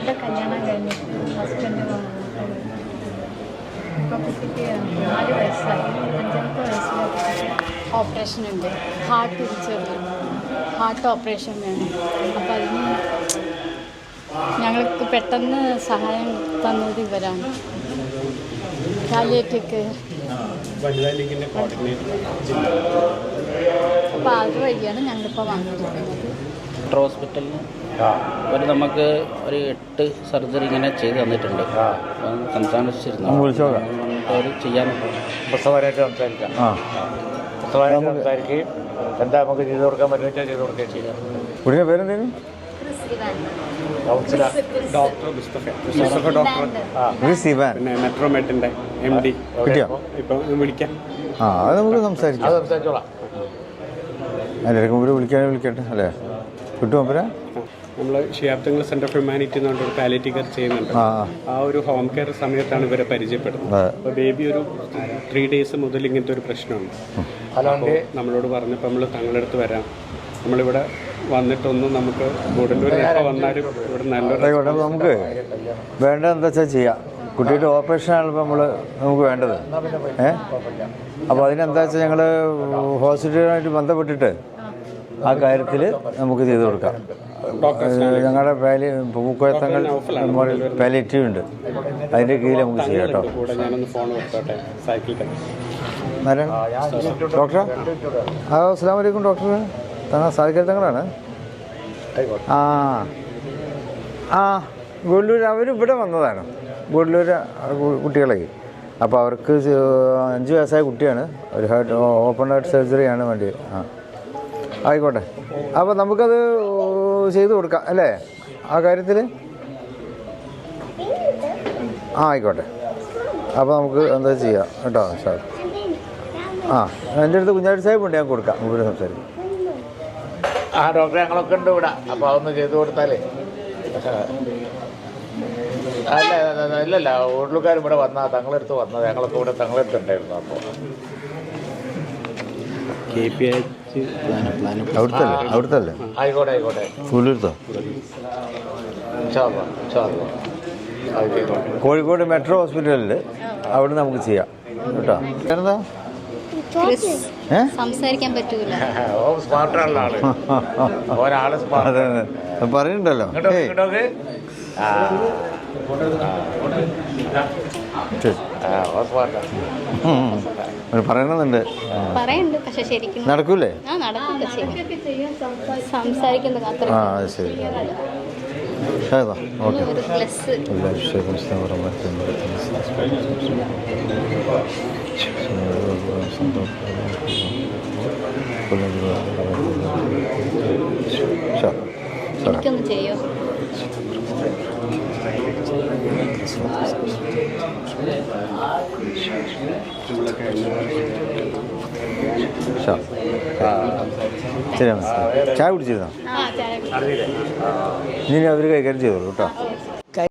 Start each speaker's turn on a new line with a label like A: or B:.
A: എൻ്റെ കല്യാണം കഴിഞ്ഞിട്ട് ഹസ്ബൻഡ് ഇപ്പോൾ കുട്ടിക്ക് 4 വയസ്സായി. 5 വയസ്സിൽ ഓപ്പറേഷൻ ഉണ്ട്. ഹാർട്ട് ഓപ്പറേഷൻ വേണം. അപ്പോൾ അതിന് ഞങ്ങൾക്ക് പെട്ടെന്ന് സഹായം തന്നത് ഇവരാണ്. പാലിയേറ്റീവ് അപ്പോൾ അതുവഴിയാണ് ഞങ്ങളിപ്പോൾ വന്നിരിക്കുന്നത്.
B: ഹോസ്പിറ്റലിൽ അവർ നമുക്ക് ഒരു 8 സർജറി ഇങ്ങനെ ചെയ്ത് തന്നിട്ടുണ്ട്. സംസാരിച്ചിരുന്നു അവർ ചെയ്യാനുണ്ട്.
C: പുസ്തകമായിട്ട് സംസാരിക്കാം. സംസാരിക്കുകയും എന്താ നമുക്ക് ചെയ്ത് കൊടുക്കാൻ പറ്റുന്ന ചെയ്ത് കൊടുക്കുകയും ചെയ്യാം.
D: കുടിയുടെ പേരെന്തേലും
E: ഡോക്ടർ മുസ്തഫ ഡോക്ടർ പിന്നെ മെട്രോമെറ്റിൻ്റെ MD ഇപ്പം വിളിക്കാം.
D: അത് നമുക്ക് സംസാരിക്കാം.
C: സംസാരിച്ചോളാം.
D: അതിലേക്ക് മുമ്പ് വിളിക്കട്ടെ അല്ലേ? കിട്ടുമോ അപ്പരാ?
E: നമ്മൾ ഷിയാബ്ദങ്ങൾ സെൻറ്റർ ഓഫ് ഹ്യൂമാനിറ്റി എന്ന് പറഞ്ഞൊരു പാലിയേറ്റീവ് കെയർ ചെയ്യുന്നുണ്ട്. ആ ഒരു ഹോം കെയർ സമയത്താണ് ഇവരെ പരിചയപ്പെടുന്നത്. അപ്പോൾ ബേബി ഒരു 3 days മുതൽ ഇങ്ങനത്തെ ഒരു പ്രശ്നമുണ്ട്. അപ്പോൾ നമ്മളോട് പറഞ്ഞപ്പോൾ നമ്മൾ തങ്ങളുടെ അടുത്ത് വരാം, നമ്മളിവിടെ വന്നിട്ടൊന്നും നമുക്ക് ഗുഡല്ലൂർ എപ്പോൾ വന്നാലും ഇവിടെ നല്ലൊരു
D: നമുക്ക് വേണ്ടത് എന്താ വെച്ചാൽ ചെയ്യാം. കുട്ടിയുടെ ഓപ്പറേഷനാണിപ്പോൾ നമുക്ക് വേണ്ടത്. അപ്പോൾ അതിനെന്താ വെച്ചാൽ ഞങ്ങൾ ഹോസ്പിറ്റലുമായിട്ട് ബന്ധപ്പെട്ടിട്ട് ആ കാര്യത്തിൽ നമുക്ക് ചെയ്ത് കൊടുക്കാം. ഞങ്ങളുടെ പൂക്കോയത്തങ്ങൾ പാലിയേറ്റീവ് ഉണ്ട്, അതിൻ്റെ കീഴിൽ നമുക്ക് ചെയ്യാം കേട്ടോ. ഡോക്ടർ അസ്സലാമു അലൈക്കും. ഡോക്ടർ സാധിക്കൽ തങ്ങളാണ്. ഗുഡല്ലൂർ അവരിവിടെ വന്നതാണ്. ഗുഡല്ലൂർ കുട്ടികളെ അപ്പോൾ അവർക്ക് 5 വയസ്സായ കുട്ടിയാണ്. ഒരു ഓപ്പൺ ഹാർട്ട് സർജറിയാണ് വേണ്ടി. ആയിക്കോട്ടെ. അപ്പോൾ നമുക്കത് ചെയ്ത് കൊടുക്കാം അല്ലേ ആ കാര്യത്തിൽ? ആയിക്കോട്ടെ. അപ്പോൾ നമുക്ക് എന്താ ചെയ്യാം കേട്ടോ സാർ. എൻ്റെ അടുത്ത് കുഞ്ഞാടി സാഹിബ് ഉണ്ട്, ഞാൻ കൊടുക്കാം. ഇവിടെ സംസാരിക്കും.
C: ഡോക്ടറെ ഞങ്ങളൊക്കെ ഉണ്ട് ഇവിടെ. അപ്പോൾ അതൊന്ന് ചെയ്ത് കൊടുത്താലേ. ഇല്ലല്ല, ഉള്ളുകാർ ഇവിടെ വന്നാൽ തങ്ങളെടുത്ത് വന്നത് ഞങ്ങളൊക്കെ ഇവിടെ തങ്ങളെടുത്തുണ്ടായിരുന്നു. അപ്പോൾ
D: അവിടുത്തെ
C: ആയിക്കോട്ടെ.
D: ഫുള്ളെടുത്തോ? കോഴിക്കോട് മെട്രോ ഹോസ്പിറ്റലിൽ അവിടെ നമുക്ക് ചെയ്യാം കേട്ടോ. എന്താ
A: സംസാരിക്കാൻ പറ്റൂല.
C: സ്മാർട്ടാണല്ലോ ആള്. ഒരാള്
D: പറയുന്നുണ്ടല്ലോ. പറയണമെന്നുണ്ട്.
A: പക്ഷെ ശരിക്കും
D: നടക്കൂലേ?
A: സംസാരിക്കുന്നത്
D: ശരി.
A: എനിക്കൊന്ന് ചെയ്യോ?
D: ശരി, ചായ കുടിച്ചിരുന്നോ? ഇനി അവർ കൈകാര്യം ചെയ്തോളൂ കേട്ടോ.